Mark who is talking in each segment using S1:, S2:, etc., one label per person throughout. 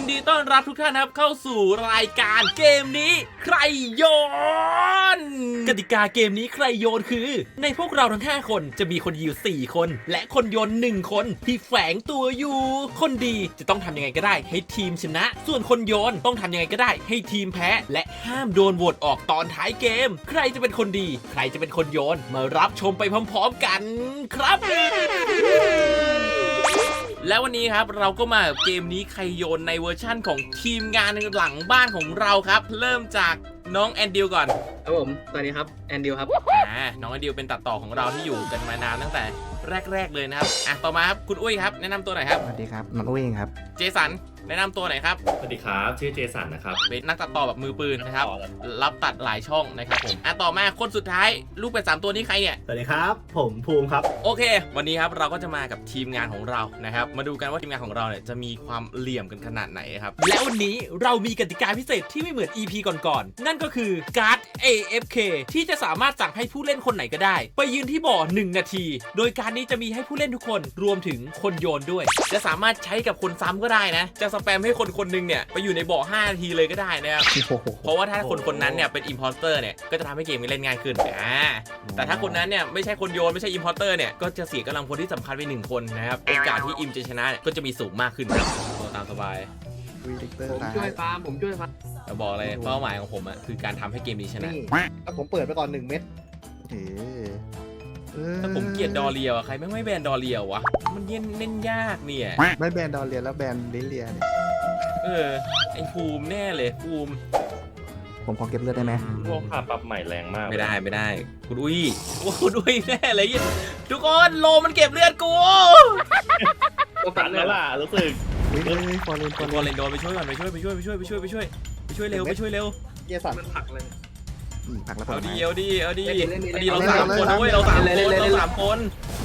S1: นดีต้อนรับทุกท่านครับเข้าสู่รายการเกมนี้ใครโยนกติกาเกมนี้ใครโยนคือในพวกเราทั้ง5คนจะมีคนยิว4คนและคนโยน1คนที่แฝงตัวอยู่คนดีจะต้องทำยังไงก็ได้ให้ทีมชนะส่วนคนโยนต้องทำยังไงก็ได้ให้ทีมแพ้และห้ามโดนโหวตออกตอนท้ายเกมใครจะเป็นคนดีใครจะเป็นคนโยนมารับชมไปพร้อมๆกันครับแล้ววันนี้ครับเราก็มาเกมนี้ใครโยนในเวอร์ชั่นของทีมงานหลังบ้านของเราครับเริ่มจากน้องแอนดิวก่อน
S2: ครับผมสวัสดีครับแอนดิวครับ
S1: น้องแอนดิวเป็นตัดต่อของเราที่อยู่กันมานานตั้งแต่แรกเลยนะครับต่อมาครับคุณอุ้ยครับแนะนำตัวหน่อยครับ
S3: สวัสดีครับน้องอุ้ยครับ
S1: เจสันแนะนำตัวหน่อยครับ
S4: สวัสดีครับชื่อเจสันนะครับ
S1: เป็นนักตัดต่อแบบมือปืนนะครับรับตัดหลายช่องนะครับผมต่อมาคนสุดท้ายลูกเป็ด3ตัวนี้ใครเนี่ย
S4: สวัสดีครับผมภูมิครับ
S1: โอเควันนี้ครับเราก็จะมากับทีมงานของเรานะครับมาดูกันว่าทีมงานของเราเนี่ยจะมีความเหลี่ยมกันขนาดไหนครับและวันนี้เรามีกติกาพิเศษที่ไม่เหมือน EP ก่อนๆนั่นก็คือการ์ด AFK ที่จะสามารถสั่งให้ผู้เล่นคนไหนก็ได้ไปยืนที่บ่อ1นาทีโดยการนี้จะมีให้ผู้เล่นทุกคนรวมถึงคนโยนด้วยจะสามารถใช้กับคนซ้ำก็ได้นะจะสแปมให้คนนึงเนี่ยไปอยู่ในบ่อ5นาทีเลยก็ได้นะครับเพราะว่าถ้าคนนั้นเนี่ยเป็นอิมพอร์เตอร์เนี่ยก็จะทำให้เกมเล่นง่ายขึ้นแต่ถ้าคนนั้นเนี่ยไม่ใช่คนโยนไม่ใช่อิมพอร์เตอร์เนี่ยก็จะเสียกำลังพลที่สำคัญไป1คนนะครับโอกาสที่อิมจะชนะก็จะมีสูงมากขึ้นครับตามสบาย
S2: ผมช่วยฟาร์ม
S1: จะบอกเลยเป้าหมายของผมคือการทำให้เกมนี้ชนะ
S3: แล้วผมเปิดไปก่อน1 เม็ด
S1: ถ้าผมเกลียดดอเรียวใครไม่แบนดอเรียววะมันเล่นยากเนี่ย
S3: ไม่แบนดอเรียแล้วแบนลิเลียเนี่ย
S1: ไอภูมิแน่เลยภูมิ
S3: ผมขอเก็บเลือดได้ไหม
S4: พวกขาปรับใหม่แรงมาก
S1: ไม่ได้คุณอุ้ยแน่เลยทุกคนโลมันเก็บเลือดกู
S4: ตัดแล้วล่ะรู้สึก
S3: ฟอร์เรน
S1: โดนไปช่วยก่อนไปช่วยเร็ว
S2: เยสันมันผักเลย
S3: ผักแล้ว
S1: เอาดีเรา3คนด้วยเรา3คน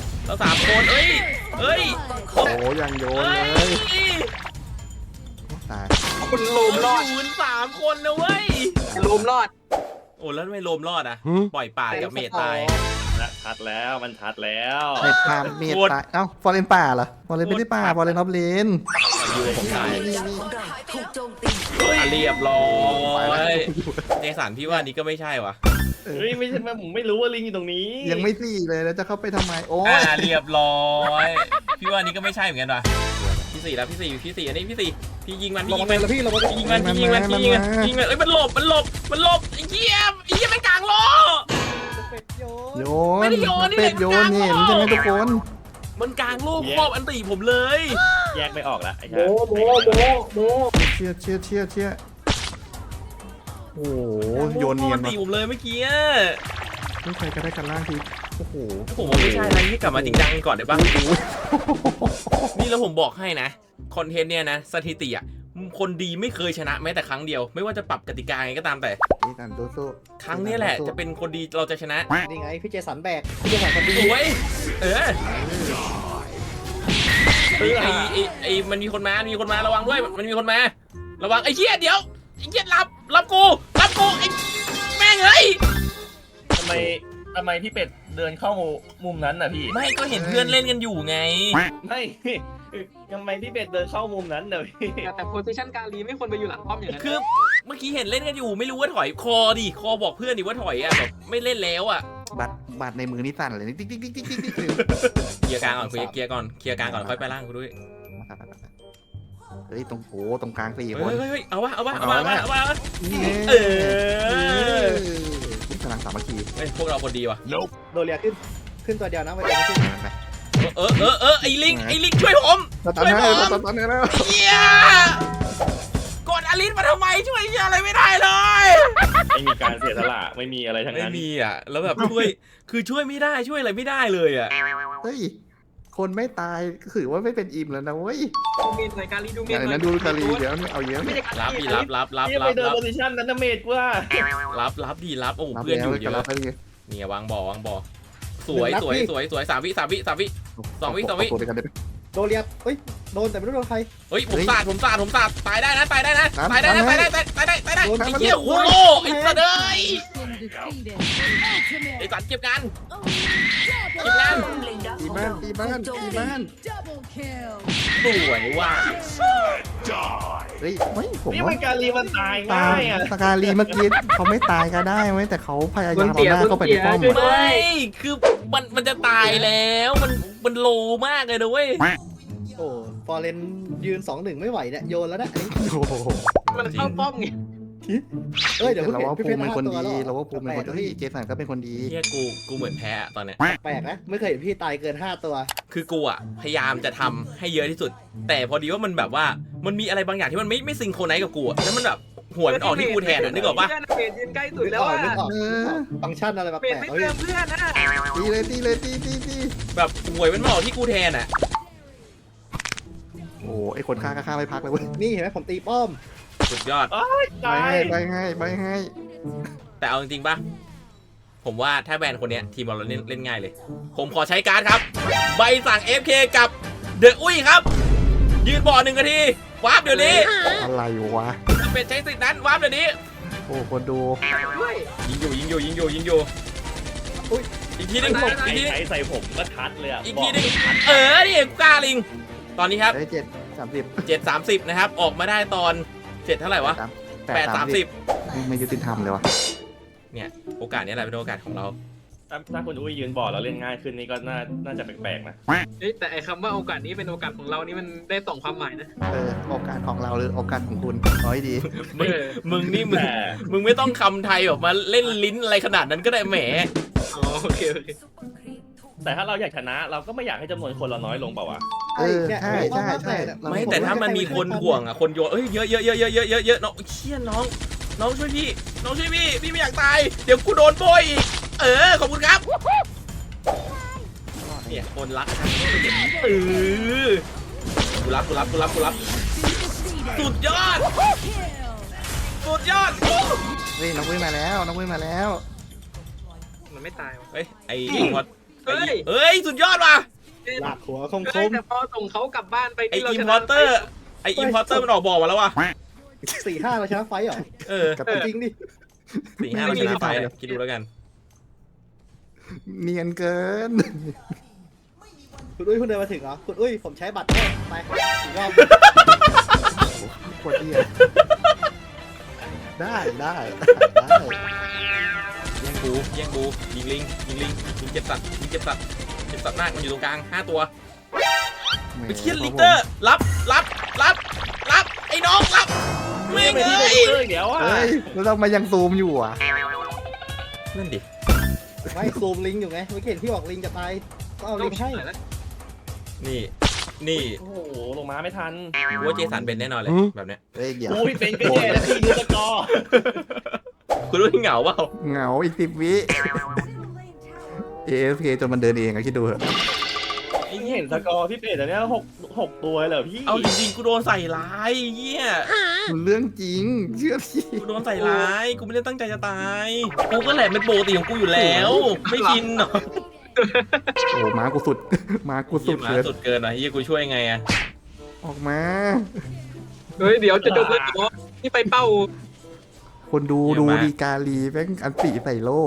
S1: เอ้ย
S3: โอ้ยังโยนเลยตาย
S2: คุณโลมรอด
S1: 3คนนะเว้ย
S2: โลมรอด
S1: โอ้แล้วทำไมโลมรอดอ่ะปล่อยป่ากับเมทตาย
S4: ชัดแล้วมันชัดแล้ว
S3: เมทตายฟอร์เรนป่าเหรอฟอร์เรนไม่ได้ป่าฟอร์เรนออฟเลน
S1: อยู่ผมตายเรียบร้อยเจสันพี่ว่านี่ก็ไม่ใช่วะ
S4: ไม่ใช่ผมไม่รู้ว่าลิงอยู่ตรงนี้
S3: ยังไม่สี่เลยแล้วจะเข้าไปทำไมโอ้
S1: เรียบร้อยพี่ว่านี่ก็ไม่ใช่เหมือนกันว่ะพี่สี่แล้วพี่สี่อันนี้พี่ยิงมันยิงมันมันหลบไอ้เหี้ยมันกลางล้อ
S3: โยนไม่ได้โยนเป็ดโยนเห็นใช่ไหมทุกคน
S1: มันกลางโลกครอบอันตีผมเลย
S4: แยกไม่ออกละไอ้
S3: โบเชี่ยโอ้โหโยนเนียน
S1: ตีผมเลยเมื่อกี้
S3: ไม่ใครก็ได้กันล่างทีโอ้โห
S1: ผมว่าไม่ใช่อะไรนี่กลับมาจริงจังก่อนได้ป่ะนี่แล้วผมบอกให้นะคอนเทนต์เนี่ยนะสถิติคนดีไม่เคยชนะแม้แต่ครั้งเดียวไม่ว่าจะปรับกติกาไงก็ตามแต่ครั้งนี้แหละจะเป็นคนดีเราจะชนะ
S2: นี่ไงพี่เจสันแบกพี่เจสันคนดี
S1: โอ้ยไอมันมีคนมาระวังด้วยมันมีคนมาระวังไอ้เหี้ยเดี๋ยวไอ้เหี้ยรับกูไอ้แม่งเฮ้ย
S4: ทำไมพี่เป็ดเดินเข้ามุมนั้นน่ะพี่
S1: ไม่ก็เห็นเพื่อนเล่นกันอยู่ไง
S4: ไม่ทำไมพี่เป็ดเดินเข้ามุมนั้นเลย
S2: แต่โพซิชั่นการีไม่ควรไปอยู่หลังป้อมอย่างนั้น
S1: คือเมื่อกี้เห็นเล่นกันอยู่ไม่รู้ว่าถอยคอบอกเพื่อนดิว่าถอยแบบไม่เล่นแล้ว
S3: บัตรในมือนี่สั่นเลยติ๊ก
S1: เคลียร์กลางก่อนเคลียร์กลางก่อนค่อยไปล่างกูด้วย
S3: เฮ้ยตรงกลาง4 คน
S1: เฮ้ยเอาวะ
S3: กำลังสามัคคี
S1: พวกเราคนดีว่ะ
S2: โดเรียขึ้นตัวเดียวนะวันนี้
S1: ไอ้ลิงช่วยผมเฮียกดอลิสมาทำไมช่วยอะไรไม่ได้เลย
S4: ไม่มีการเสียสละไม่มีอะไรทั้งนั้น
S1: ไม่มีแล้วแบบช่วยไม่ได้ช่วยอะไรไม่ได้เลย
S3: เฮ้ยคนไม่ตายถือว่าไม่เป็นอิมแล้วนะเว้ย
S2: ดูเมนหน่อยการีดูเมนหน่อย
S3: ดูการีเดี๋ยวเอาเยอะ
S1: รับ
S4: ไปเดินโพซิชั่นนั้นนะเมดว่า
S1: รับโอ้เพื่อนอยู่เยอะเนี่ยวางบ่อสวย3 วิ2 วิ
S2: โดเรียเฮ้ยโดนแต่ไม่รู้โดนใคร
S1: เฮ้ยผมสาดตายได้นะไอ้เหี้ยโคโลไอ้สัตว์เลยไอ้สัตว์เก็บงาน
S3: ตีบ้าน
S1: สวยว่ะ
S3: เฮ้ยไม่ผม
S4: นี่
S3: ว่า
S4: มันการีมันตาย
S3: ตา
S4: ง่าย ยอ่ะ
S3: สกาลีเมื่อกี้เขาไม่ตายก็ได้ไหมแต่เขาพยายามเอาหน้าเข้าไปในป้อม
S1: ไม่คือมันจะตายแล้วมันโลมากเลยนะเว้ย
S2: โอ้ฟอร์เรนยืน 2-1 ไม่ไหวเนี่ยโยนแล้วนะอันนี้
S3: โอ้โห
S5: มันเข้าป้อมไง
S2: เอ้ยเดี๋ยว
S3: แต่
S2: เพิ่ง
S3: เรา
S2: เห็น
S3: ว่า
S2: พี่
S3: ภู
S2: เพช
S3: มิ
S2: ร
S3: เป็นคน
S2: 5 ตัว
S3: ดี
S2: แล้ว
S3: เราว่าภูมิเป็นคนดีเจสันก็เป็นคนดี
S1: เฮียกูเหมือนแพ้อะตอนเนี้ย
S2: แปลกนะไม่เคยเห็นพี่ตายเกิน 5 ตัว
S1: คือกูอะพยายามจะทำให้เยอะที่สุด แต่พอดีว่ามันแบบว่ามันมีอะไรบางอย่างที่มันไม่ซิงโครไนซ์กับกูอะแล้วมันแบบหัวมันออกที่กูแทนอะนึกออกปะ
S5: เพื่อนยืนใกล้สุด
S2: นึก
S5: แล้
S2: อ
S5: ว
S2: อก
S5: อ่ะ
S2: นึกออกฟังก์ชันอะไรแป
S5: เปลี่ยน
S2: ลก
S5: ไม่
S2: ๆเฮ้ย
S5: เติมเพื่อนนะ
S3: ตีเลยตีเลยตีตีตี
S1: แบบหวยมันมาออกที่กูแทนอะ
S3: โอ้ไอคนฆ่าก็ฆ่าไม่พักเลยเว้ย
S2: นี่เห็นไหมผมตีป้อม
S1: สุดยอด
S3: ใบ
S4: ตาย
S3: ให้ใบให้ใบให้
S1: แต่เอาจริงๆปะผมว่าถ้าแบนคนเนี้ยทีมเราเล่นง่ายเลย ผมขอใช้การ์ดครับ ใบสั่ง FK กับเดอะอุ้ยครับ ยืนบ่อ1 นาทีวาร์ปเดี๋ยวนี้
S3: อะไรวะ
S1: จะเป็นใช้สิทธิ์นั้นวาร์ปเดี๋ยวนี้
S3: โอ้คนดู
S5: ด้วย
S1: ยิงอยู่อุ้ยอีกทีหนึงอีกทีหนึง
S4: ไอ้ใส่ผมก็ทัดเลยอ่ะ
S1: อีกทีหนึงนี่กล้าลิง ตอนนี้ครับ
S3: ได้7 30
S1: 7:30นะครับออกมาได้ตอน7เท่าไหร่วะ8:30
S3: ไม่ยุติธรรมเลยวะ
S1: เนี่ยโอกาสนี้แหละเป็นโอกาสของเรา
S4: ถ้าคุณอุ้ยยืนบอร์ดเราเล่นง่ายขึ้นนี่ก็น่าจะแปลกๆนะ
S5: แต่ไอ้คำว่าโอกาสนี้เป็นโอกาสของเรานี่มันได้สองความหมายนะ
S3: โอกาสของเราหรือโอกาสของคุณเอาให้ดี
S1: มึงนี่มึง
S4: แต่
S1: มึงไม่ต้องคำไทยออกมาเล่นลิ้นอะไรขนาดนั้นก็ได้แหม
S5: อ๋อโอเค
S4: แต่ถ้าเราอยากชนะเราก็ไม่อยากให้จำนวนคนเราน้อยลงเปล่าวะ
S3: ใช่ใช่ใช่
S1: ไม่แต่ถ้ามันมีคนห่วงอ่ะคนโยนเยอะน้องเชี่ยน้องช่วยพี่พี่ไม่อยากตายเดี๋ยวกูโดนโบยอีกขอบคุณครับเนี่ยคนรักกูรับสุดยอด
S3: เฮ้ยน้องวุ้ยมาแล้วน้องวุ้ยมาแล้ว
S5: มันไม่ตายวะ
S1: เฮ้ยไอ้อิมพอร์ตเฮ้ยสุดยอดว่ะ
S2: หลักหัวคม
S5: แต่พอส่งเขากลับบ้านไป
S1: ไอ้
S5: ที่เรา
S1: อิ
S5: ช
S1: ม
S5: นะ
S1: พอร์เตอร์มันออกบอกมาแล้วว่ะ
S2: 4-5เราชนะไฟเหรอ
S1: กับ
S2: จริงดิ
S1: 4-5เราชนะไปคิดดูแล้วกัน
S3: เนียนเกิน
S2: คุณอุ้ยคุณเดินมาถึงเหรอคุณอุ้ยผมใช้บัตรเนี่ยไปอีกรอบ
S3: โคตรเหี้ยได้
S1: แย่งบูยิงลิงยิงเจ็บสัตว์มากมันอยู่ตรงกลาง5 ตัวไปเทียนลิกเตอร์รับไอ้น้องรับไม่
S4: ไม่
S1: เง
S4: ที่
S1: ย
S4: เดี๋ยวอ่ะ
S3: เฮ้ยแล้วทำไมยังซูมอยู่อ่ะ
S1: นั่นดิ
S2: ไม่ซูมลิงอยู่ไงเมื่อกี้เห็นพี่บอกลิงจะตายก็เอาลิงให้
S1: นี่
S4: โอ้โหลงมาไม่ทัน
S1: กูว่าเจสันเป็นแน่นอนเลยแบบเนี้ย
S3: เฮ้ยเดี๋ยว
S4: อุ้ยเป็นก็แย่แล้วพี่ดูสกอร์
S1: คุณรู้ที่เหงาเปล่า
S3: เหงาอีก10 วิAFK จนมันเดินเองอะคิดดูเถอะ
S4: นี่เห็นสกอร์พี่เป็ดแต่เนี้ย6 ตัวเหรอพี่
S1: เอาจริงๆกูโดนใส่ร้ายเหี้ย
S3: มันเรื่องจริงเชื่อพี่
S1: กูโดนใส่ร้ายกูไม่ได้ตั้งใจจะตายกูก็แหละเป็นปกติของกูอยู่แล้วไม่กินหรอก
S3: โอ้ม้ากูสุดม้ากูสุ
S1: เหี้ย
S3: ด
S1: มา
S3: เลย
S1: สุดเกินอ่ะเฮียกูช่วยไงอ่ะ
S3: ออกมา
S5: เฮ้ยเดี๋ยวจะจบเลยเหรอนี่ไปเป้า
S3: คนดูดีกาลีแม่งอันติใส่โล่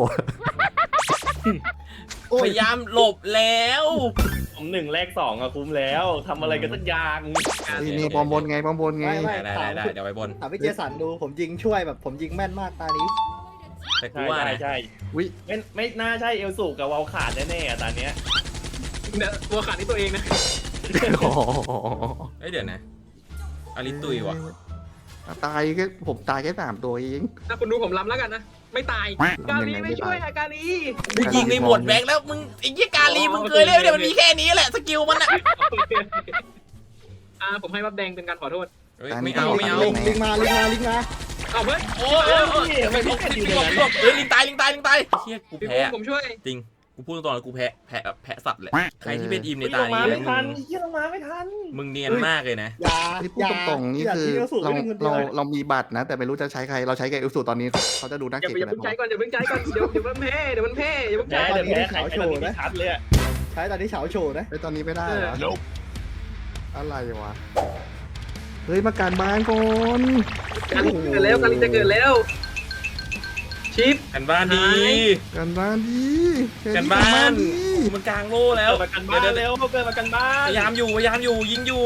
S1: พยายามหลบแล้ว
S4: ผม1แลก2อะคุ้มแล้วทำอะไรกันสักอย่าง
S3: นี่ปอมบนไง
S1: ได้เดี๋ยวไปบน
S2: ถามพี่เจสันดูผมยิงช่วยแบบผมยิงแม่นมากตานี้
S1: แต่กูว่านะ
S4: ใช่
S3: วิ
S4: ไม่น่าใช่เอลสูกับวาลขาดแน่ๆอะตอนเนี้ย
S5: เนี่ยตัวขาดนี่ตัวเองนะ
S3: โอ้โห
S1: เฮ้ยเดี๋ยวนะอลิตุยว่ะ
S3: ตายแค่ผมตายแค่3 ตัวเอง
S5: ถ้าคุณดูผมล้ำแล้วกันนะ ไม่ตาย กาลีไม่ช่วยอะกาลี
S1: กูยิงในหมดแบ็กแล้วมึงไอ้ยี่กาลีมึงเคยเล่นเนี่ยมันมีแค่นี้แหละสกิลมันอ่ะ
S5: ผมให้บับแดงเป็นการขอโทษ
S1: ไม่เอา
S2: ลิงมา
S5: เอาเฮ้ย
S1: โอ้ย
S4: ทำไมพี่เป็ดอยู่
S1: ลิ
S4: ใน
S1: ง
S4: นั้น
S1: ลิงตายเฮียกู
S5: พี่
S1: แพ้
S5: ผมช่วย
S1: จริงกูพูดตรงๆกูแพ้สัตว์แหละใครที่เป็นอิมใน
S4: ล
S1: ตาง
S4: มา
S1: นี้
S4: ไม่ทันเฮียลงมาไม่ทัน
S1: มึงเนียนมากเลยนะ
S3: ที่พูดตรงๆนี่คือเรามีบัตรนะ แต่ไม่รู้จะใช้ใครเราใช้กับเอลสูตอนนี้เขาจะดูน่า
S5: อย่า
S3: เกลียด
S5: เพิ่ง
S3: นะ
S5: ใช้ก่อนอย่าเพิ่งใช้ก่อนเดี๋ยวมันแพ้เดี๋ยวมันแพ้อย่าเพิ่ง
S4: แพ้
S5: ใช้
S4: เดี๋ยวแพ้ใครตอนนี้ไม่ชัดเลยอะ
S2: ใช้ตอนนี้เฉาโชว์นะ
S3: ไอ้ตอนนี้ไม่ได้เหรออะไรวะเฮ้ยมาการบ้านก่อน
S5: กาลีเกิดแล้วกาลีจะเกิดแล้วชิป
S1: กันบ้านดี
S3: การบ้านดี
S1: กันบ้าน
S3: ดี
S1: มันกลางโล่แล้ว
S4: เกิดมากันบ้านเร็วเกิดมากันบ้าน
S1: พยายามอยู่ยิงอยู่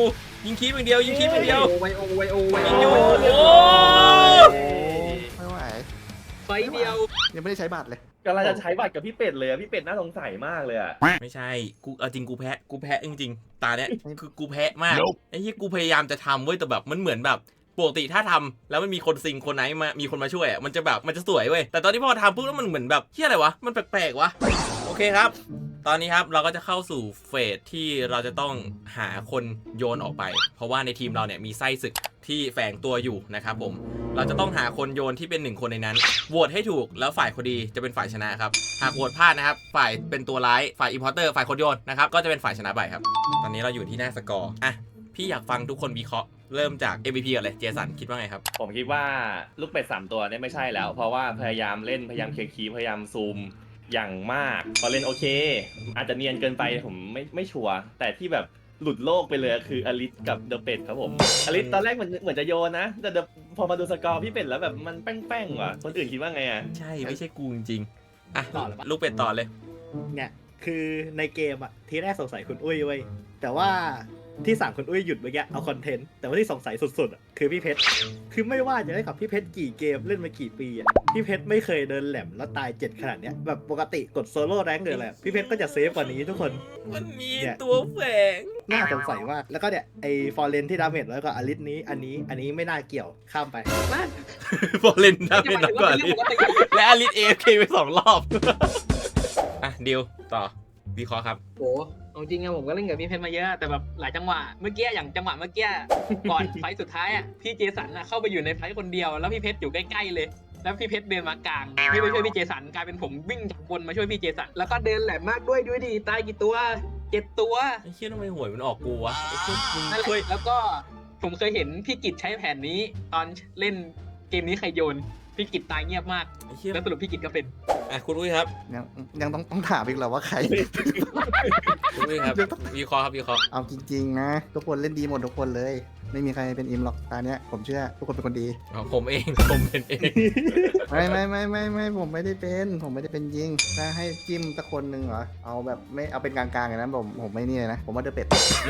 S1: ยิงคีบอย่างเดียวยิงคีบอย่างเดียว
S5: ไวโอไวโอไว
S1: ยิ
S5: โอง
S1: อยู่โอ้
S3: ไม่ไหว
S5: ไฟเดียว
S3: ยังไม่ได้ใช้บัตรเลย
S4: กำลังจะใช้บัตรกับพี่เป็ดเลยอะพี่เป็ดน่าสงสัยมากเลยอะ
S1: ไม่ใช่กูเอาจริงกูแพ้จริงๆตาเนี้ยคือกูแพ้มากไอ้ที่กูพยายามจะทำเว้ยแต่แบบมันเหมือนแบบปกติถ้าทำแล้วมันมีคนซิงคนไหนมามีคนมาช่วยอ่ะมันจะแบบมันจะสวยเว้ยแต่ตอนที่พอทำปุ๊บแล้วมันเหมือนแบบเฮียอะไรวะมันแปลกๆวะโอเคครับ ตอนนี้ครับเราก็จะเข้าสู่เฟสที่เราจะต้องหาคนโยนออกไป เพราะว่าในทีมเราเนี่ยมีไส้ศึกที่แฝงตัวอยู่นะครับผมเราจะต้องหาคนโยนที่เป็น1คนในนั้นโหวตให้ถูกแล้วฝ่ายคนดีจะเป็นฝ่ายชนะครับหากโหวตพลาดนะครับฝ่ายเป็นตัวร้ายฝ่ายอิมพอร์เตอร์ฝ่ายคนโยนนะครับก็จะเป็นฝ่ายชนะไปครับตอนนี้เราอยู่ที่หน้าสกอร์อ่ะพี่อยากฟังทุกคนวิเคราะห์เริ่มจาก MVP ก่อนเลยเจสันคิดว่าไงครับ
S4: ผมคิดว่าลูกเป็ด3ตัวเนี่ยไม่ใช่แล้ว เพราะว่าพยายามเล่นพยายามเคลียร์คีย์พยายามซูมอย่างมากพอเล่นโอเค อาจจะเนียนเกินไปผมไม่ชัวร์แต่ที่แบบหลุดโลกไปเลยคืออลิสกับเดอะเป็ดครับผมอลิสตอนแรกเหมือนจะโยนนะแต่พอมาดูสกอร์พี่เป็ดแล้วแบบมันแป้งๆว่ะคนอื่นคิดว่าไงอ่ะ
S1: ใช่ไม่ใช่กูจริงๆอ่ะ
S2: ต่อเลยปะ
S1: ลูกเป็ดต่อเลย
S2: เนี่ยคือในเกมอะทีแรกสงสัยคุณอุ้ยเว้ยแต่ว่าที่สั่งคุณอุ้ยหยุดเมื่อกี้เอาคอนเทนต์แต่ว่าที่สงสัยสุดๆอะคือพี่เพชรคือไม่ว่าจะได้กับพี่เพชรกี่เกมเล่นมากี่ปีอะพี่เพชรไม่เคยเดินแหลมแล้วตาย7ขนาดเนี้ยแบบปกติกดโซโล่แรงค์หรืออะไรพี่เพชรก็จะเซฟกว่านี้ทุกคน
S1: มันมี
S2: เนี่ย
S1: ตัวแฝง
S2: น่าสงสัยมากแล้วก็เนี่ยไอ้ฟอร์เรนที่ดาเมจแล้วก็อลิสนี้อันนี้ไม่น่าเกี่ยวข้ามไป
S1: พอเล่นได้เป็นนักกว่าอลิสและอลิส AFK ไป2 รอบ อ่ะดิวต่อวิเคราะห์ครับ
S5: โหเอาจริงอะผมก็เล่นกับพี่เพชรมาเยอะแต่แบบหลายจังหวะเมื่อกี้อย่างจังหวะเมื่อกี้ก่อนไฟต์สุดท้ายอะพี่เจสันอะเข้าไปอยู่ในไฟต์คนเดียวแล้วพี่เพชรอยู่ใกล้ๆเลยแล้วพี่เพชรเดินมากลางพี่ไปช่วยพี่เจสันกลายเป็นผมวิ่งจากบนมาช่วยพี่เจสันแล้วก็เดินแหลมมากด้วยดีตายกี่ตัว7 ตัว
S1: ไอ้เชี่ยทำไมหวยมันออกกูวะไอ้เชี่ยมึง
S5: นั่นแห
S1: ช่วย
S5: ละแล้วก็ผมเคยเห็นพี่กิจใช้แผนนี้ตอนเล่นเกมนี้ใครโยนพี่กิจตายเงียบมาก
S1: ไอ้เชี่ย
S5: แล้วสรุปพี่กิจก็เป็น
S1: อ่ะคุณอุ้ยครับ
S3: ยังต้องถามอีกเหรอว่าใคร
S1: คุณอุ้ยครับวิเคราะห์ครับวิเคราะห์
S3: เอาจริงๆนะทุกคนเล่นดีหมดทุกคนเลย ไม่มีใครเป็นอิมหรอกตาเนี้ยผมเชื่อทุกคนเป็นคนดี
S1: อ๋อผมเองผมเป็นเอง
S3: ไม่ผมไม่ได้เป็นยิงถ้าให้จิ้มตะคนหนึ่งเหรอเอาแบบไม่เอาเป็นกลางๆอย่างนั้นผมไม่นี่เลยนะผมว่าเดอะเป็ด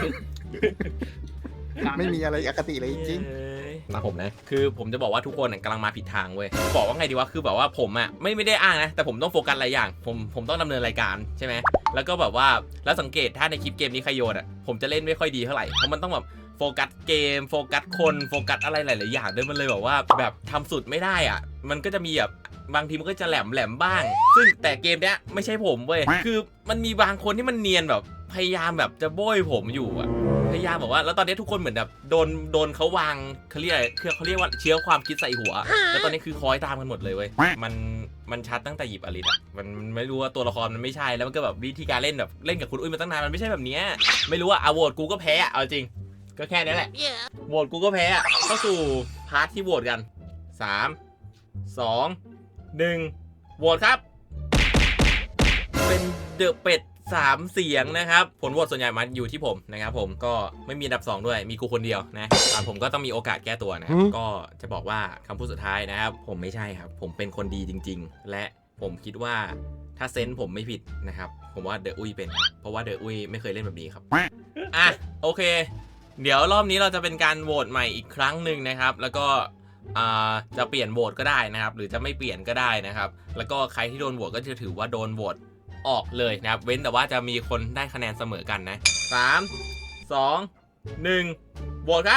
S3: ไม่มีอะไรอคติเลยจริง
S1: มาผมนะคือผมจะบอกว่าทุกคนกำลังมาผิดทางเว้ยบอกว่าไงดีวะคือแบบว่าผมอ่ะไม่ได้อ้างนะแต่ผมต้องโฟกัสหลายอย่างผมต้องดำเนินรายการใช่ไหมแล้วก็แบบว่าแล้วสังเกตถ้าในคลิปเกมนี้ใครโยนอ่ะผมจะเล่นไม่ค่อยดีเท่าไหร่เพราะมันต้องแบบโฟกัสเกมโฟกัสคนโฟกัสอะไรหลายๆอย่างด้วยมันเลยแบบว่าแบบทำสุดไม่ได้อ่ะมันก็จะมีแบบบางทีมันก็จะแหลมบ้างซึ่งแต่เกมเนี้ยไม่ใช่ผมเว้ยคือมันมีบางคนที่มันเนียนแบบพยายามแบบจะโบยผมอยู่อ่ะพยายามบอกว่าแล้วตอนนี้ทุกคนเหมือนแบบโดนเขาวางเขาเรียกอะไรเขาเรียกว่าเชื้อความคิดใส่หัวแล้วตอนนี้คือคอยตามกันหมดเลยเว้ยมันชัดตั้งแต่หยิบอลิสอ่ะมันไม่รู้ว่าตัวละครมันไม่ใช่แล้วมันก็แบบวิธีการเล่นแบบเล่นกับคุณอุ้ยมาตั้งนานมันไม่ใช่แบบเนี้ยไม่รู้ว่าโหวตกูก็แพ้เอาจริงก็แค่นี้แหละโหวตกูก็แพ้เข้าสู่พาร์ทที่โหวตกัน3 2 1โหวตครับเป็นเดอะเป็ด3 เสียงนะครับผลโหวตส่วนใหญ่มาอยู่ที่ผมนะครับผมก็ไม่มีอันดับ2ด้วยมีกูคนเดียวนะผมก็ต้องมีโอกาสแก้ตัวนะครับก็จะบอกว่าคำพูดสุดท้ายนะครับผมไม่ใช่ครับผมเป็นคนดีจริงๆและผมคิดว่าถ้าเซนส์ผมไม่ผิดนะครับผมว่าเดอะอุ้ยเป็นเพราะว่าเดอะอุ้ยไม่เคยเล่นแบบนี้ครับอ่ะโอเคเดี๋ยวรอบนี้เราจะเป็นการโหวตใหม่อีกครั้งหนึ่งนะครับแล้วก็จะเปลี่ยนโหวตก็ได้นะครับหรือจะไม่เปลี่ยนก็ได้นะครับแล้วก็ใครที่โดนโหวตก็จะถือว่าโดนโหวตออกเลยนะครับเว้นแต่ว่าจะมีคนได้คะแนนเสมอกันนะ3 2 1โหวตครับ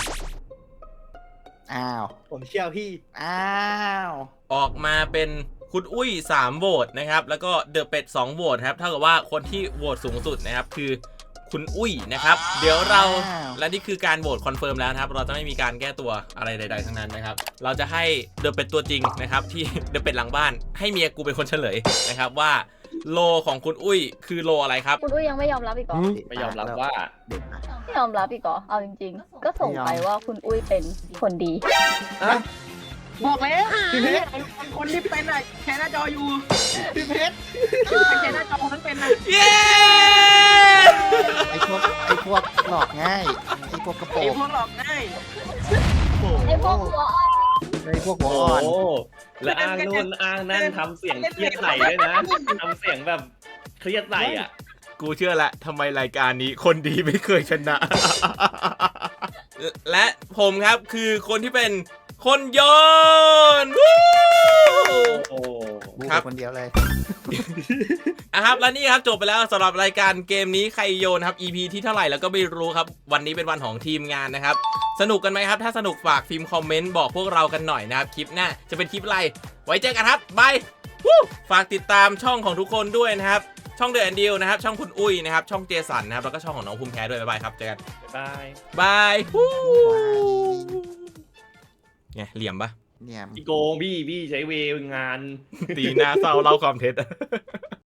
S3: อ้าว
S2: ผมเชื่อพี่
S3: อ้าว
S1: ออกมาเป็นคุณอุ้ย3โหวตนะครับแล้วก็เดอะเป็ด2โหวตครับเท่ากับว่าคนที่โหวตสูงสุดนะครับคือคุณอุ้ยนะครับเดี๋ยวเราและนี่คือการโหวตคอนเฟิร์มแล้วนะครับเราจะไม่มีการแก้ตัวอะไรใดๆทั้งนั้นนะครับเราจะให้เดอะเป็ดตัวจริงนะครับที่เดอะเป็ดหลังบ้านให้เมียกูเป็นคนเฉลยนะครับว่าโลของคุณอุ้ยคือโลอะไรครับ
S6: คุณอุ้ยยังไม่ยอมรับอีกเหรอ
S4: ไม่ยอมรับว่า
S3: เด็กอะ
S6: ไม่ยอมรับอีกเหรอเอาจริงๆ ก็ส่งไปว่าคุณอุ้ยเป็นคนดี
S5: บอกแล้วพี่เพชรคนที่เป็นอะแชร์หน้าจออยู่พี่เพชรแชร์หน้าจอนั้นเป็นนะ
S1: เย้
S3: ไอ้พวกหลอกง่ายไอ้พวกกระโปร
S5: ไอ้
S3: ง
S5: พวกหลอกง่าย
S6: ไอ้พวกหัวอ่อน
S3: ไอ้พวกหัว
S4: โอ้
S3: อ่อน
S4: และอ้างนู่นอ้างนั่นทำเสียงเครียดใส่ด้วยนะทำเสียงแบบเครียดใส่อ่ะ
S1: กูเชื่อละทำไมรายการนี้คนดีไม่เคยชนะและผมครับคือคนที่เป็นคนโยนวู้
S4: โอ้
S3: บู
S1: ครับ
S3: คนเดียวเลย
S1: ครับและนี่ครับจบไปแล้วสำหรับรายการเกมนี้ใครโยนครับ EP ที่เท่าไหร่แล้วก็ไม่รู้ครับวันนี้เป็นวันของทีมงานนะครับสนุกกันไหมครับถ้าสนุกฝากพิมพ์คอมเมนต์บอกพวกเรากันหน่อยนะครับคลิปหน้าจะเป็นคลิปอะไรไว้เจอกันครับบายฝากติดตามช่องของทุกคนด้วยนะครับช่องเดอะแอนดิวนะครับช่องคุณอุ้ยนะครับช่องเจสันนะครับแล้วก็ช่องของน้องภูมิแพ้ด้วยบ๊ายบายครับเจอกัน
S4: บ๊ายบาย
S1: บายไงเหลี่ยมปะ
S3: เนี่ย
S4: พี่โกงพี่ใช้เวงาน
S1: ตีหน้าเศร้าเล่าความเท็จ